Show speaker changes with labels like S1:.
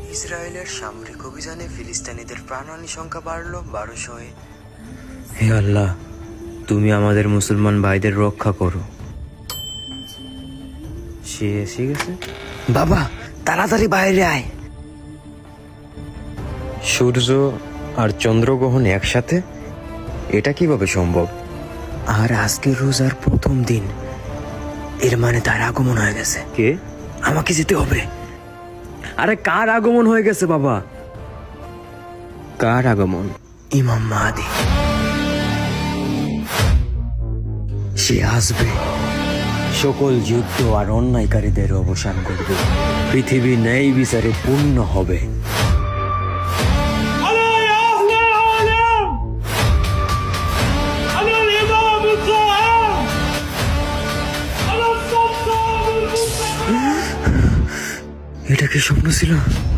S1: ইসরায়েলের সামরিক অভিযানে ফিলিস্তিনিদের প্রাণহানি সংখ্যা বাড়ল 1200-এ। হে আল্লাহ, তুমি আমাদের মুসলমান ভাইদের রক্ষা করো। সে এসে গেছে। বাবা, তাড়াতাড়ি বাইরে আয়। সূর্য আর চন্দ্রগ্রহণ একসাথে, এটা কিভাবে সম্ভব? আর আজকে রোজার প্রথম দিন, এর মানে তার আগমন হয়ে গেছে। কে? আমাকে যেতে হবে। আরে কার আগমন হয়ে গেছে বাবা? কার আগমন? ইমাম মাহদী। সে আসবে, সকল যুদ্ধ আর অন্যায়কারীদের অবসান করবে, পৃথিবী ন্যায় বিচারে পূর্ণ হবে। এটা কি স্বপ্ন ছিল?